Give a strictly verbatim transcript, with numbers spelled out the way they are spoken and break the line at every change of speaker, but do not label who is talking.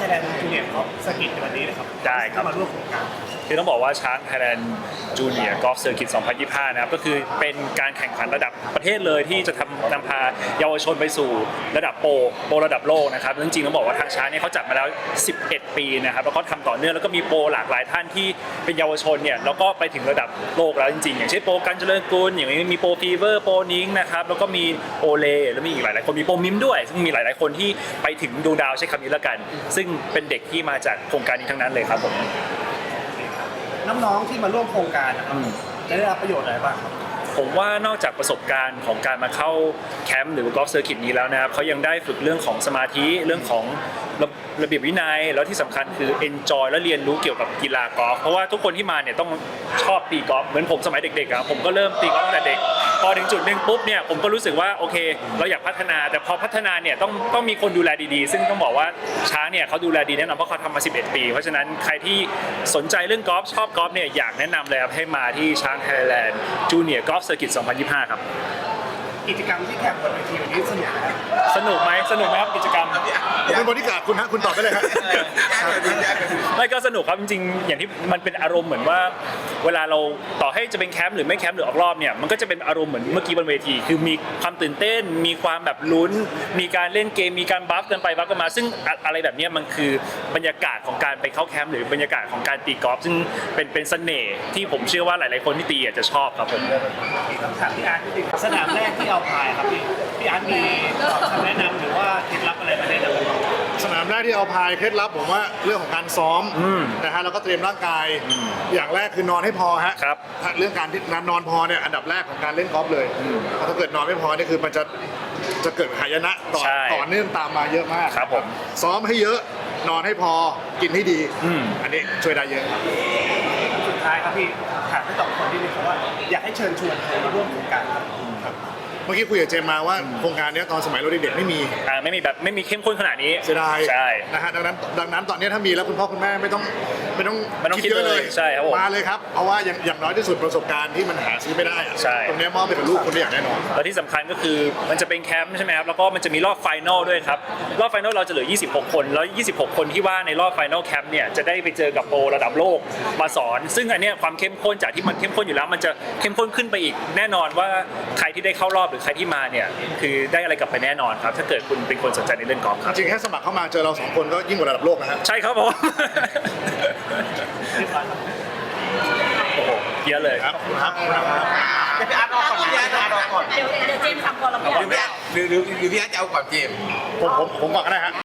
Thailand Junior Golf Circuit ในวันนี้นะครับ
ได้ครับ
มาร่วมโครงการ
คือต้องบอกว่าช้าง Thailand Junior Golf Circuit สองพันยี่สิบห้านะครับก็คือเป็นการแข่งขันระดับประเทศเลยที่จะทำนำพาเยาวชนไปสู่ระดับโปรโปรระดับโลกนะครับจริงๆต้องบอกว่าทางช้างเนี่ยเขาจัดมาแล้วสิบเอ็ดปีนะครับแล้วก็ทำต่อเนื่องแล้วก็มีโปรหลากหลายท่านที่เป็นเยาวชนเนี่ยแล้วก็ไปถึงระดับโลกแล้วจริงๆอย่างเช่นโปรกันเจริญกุลอย่างนี้มีโปรฟีเวอร์โปรนิงนะครับแล้วก็มีโอเลแล้วมีอีกหลายๆคนมีโปรมิมด้วยซึ่งมีหลายๆคนที่ไปถึงดวงดาวใช้คำนี้แล้วกันซึ่งเป็นเด็กที่มาจากโครงการนี้ทั้งนั้นเลยครับผม
น้องๆที่มาร่วมโครงการนะครับจะได้รับประโยชน์อะไรบ้างครับ
ผมว่านอกจากประสบการณ์ของการมาเข้าแคมป์หรือกอล์ฟเซอร์กิตนี้แล้วนะครับเขายังได้ฝึกเรื่องของสมาธิเรื่องของระระเบียบวินัยแล้วที่สำคัญคือ enjoy และเรียนรู้เกี่ยวกับกีฬากอล์ฟเพราะว่าทุกคนที่มาเนี่ยต้องชอบตีกอล์ฟเหมือนผมสมัยเด็กๆอะผมก็เริ่มตีกอล์ฟตั้งแต่เด็กพอถึงจุดหนึ่งปุ๊บเนี่ยผมก็รู้สึกว่าโอเคเราอยากพัฒนาแต่พอพัฒนาเนี่ยต้องต้องมีคนดูแลดีๆซึ่งต้องบอกว่าช้างเนี่ยเขาดูแลดีแน่นอนเพราะเขาทำมาสิบเอ็ดปีเพราะฉะนั้นใครที่สนใจเรื่องกอล์ฟชอบกอล์ฟเนี่ยอยากแนะนำเลยครับให้มาที่ช้าง Thailand Junior Golf Circuit สองพันยี่สิบห้าครับ
กิจกรรมที่แข่งบนเวทีวันนี้สนุกไหม
สนุกไหมสนุกไหมครับกิจกรรม
ผมเป็นบริการคุณฮะคุณตอบไปเลยครับ
ไม่ก็สนุกครับจริงๆอย่างที่มันเป็นอารมณ์เหมือนว่าเวลาเราต่อให้จะเป็นแคมป์หรือไม่แคมป์หรือออกรอบเนี่ยมันก็จะเป็นอารมณ์เหมือนเมื่อกี้บนเวทีคือมีความตื่นเต้นมีความแบบลุ้นมีการเล่นเกมมีการบัฟกันไปบัฟกันมาซึ่งอะไรแบบนี้มันคือบรรยากาศของการไปเข้าแคมป์หรือบรรยากาศของการตีกอล์ฟซึ่งเป็นเป็นเสน่ห์ที่ผมเชื่อว่าหลายๆคนที่ตีอาจจะชอบครับผม
คำถามพี่อาร์ตนิดนึงสนามแรกที่เอาพายครับพี่พี่อาร์ตมีคำแนะนำหรือว่าเคล็ดลับอะไรมาแนะนำ
สนามแรกที่เอาพายเคล็ดลับผมว่าเรื่องของการซ้อมนะฮะแล้วก็เตรียมร่างกายอย่างแรกคือนอนให้พอฮะ
ครับ
เรื่องการที่นอนพอเนี่ยอันดับแรกของการเล่นกอล์ฟเลยเพราะถ้าเกิดนอนไม่พอนี่คือมันจะจะเกิดหายนะต่อต่อเนื่องตามมาเยอะมาก
ครับผม
ซ้อมให้เยอะนอนให้พอกินให้ดีอันนี้ช่วยได้เยอะครับ
สุดท้ายครับพี่ถามให้ตอบคนที่นี่เพราะว่าอยากให้เชิญชวนใครมาร่วมโครงการครับ
เมื่อกี้คุยกับเจมมาว่าโครงการนี้ตอนสมัยเราเด็กๆไม่มี
อ่าไม่มีแบบไม่มีเข้มข้นขนาดนี้
เสียดาย
ใช่
นะฮะดังนั้นดังนั้นตอนนี้ถ้ามีแล้วคุณพ่อคุณแม่ไม่ต้องไม่ต้อง
คิดเยอะเลยใช่ครับ
มาเลยครับเพราะว่าอย่างอย่างน้อยที่สุดประสบการณ์ที่มันหาซื้อไม่ได้ตรงนี้มอบไปกับลูกคนได้อย่างแน่นอน
และที่สำคัญก็คือมันจะเป็นแคมป์ใช่ไหมครับแล้วก็มันจะมีรอบไฟนอลด้วยครับรอบไฟนอลเราจะเหลือยี่สิบหกคนแล้วยี่สิบหกคนที่ว่าในรอบไฟนอลแคมป์เนี่ยจะได้ไปเจอกับโปรระดับโลกมาสอนซึ่งอันนี้ความเข้มข้นจากที่มันเข้มข้นอยู่แล้วมันจะเข้มข้นขึ้นไปอีกแน่นอนว่าใครที่ได้เข้ารอบหรือใครที่มาเนี่ยคือได้อะไรกลับไปแน่นอนครับถ้าเกิดคุณเป็นคนสนใจในเรื่องกอล์ฟครับ
จริงแค่สมัครเข้ามาเจอเราสองคนก็ยิ่งกว่าระดับโลกนะฮะ
ใช่ครับผมโอ้โหเยอะเลย
ครับครับ
เดี๋ยวพี่อาร์ตรอก่อนพี่อาร์ตรอก่อน
เดี๋ยวเดี๋ยวเจมส์ทำก่อนแล้วพี่อาร์ต
หรือหรือหรือพี่อาร์ตจะเอาก่อนเจมส์
ผมผมผมก่อนก็ได้ฮะ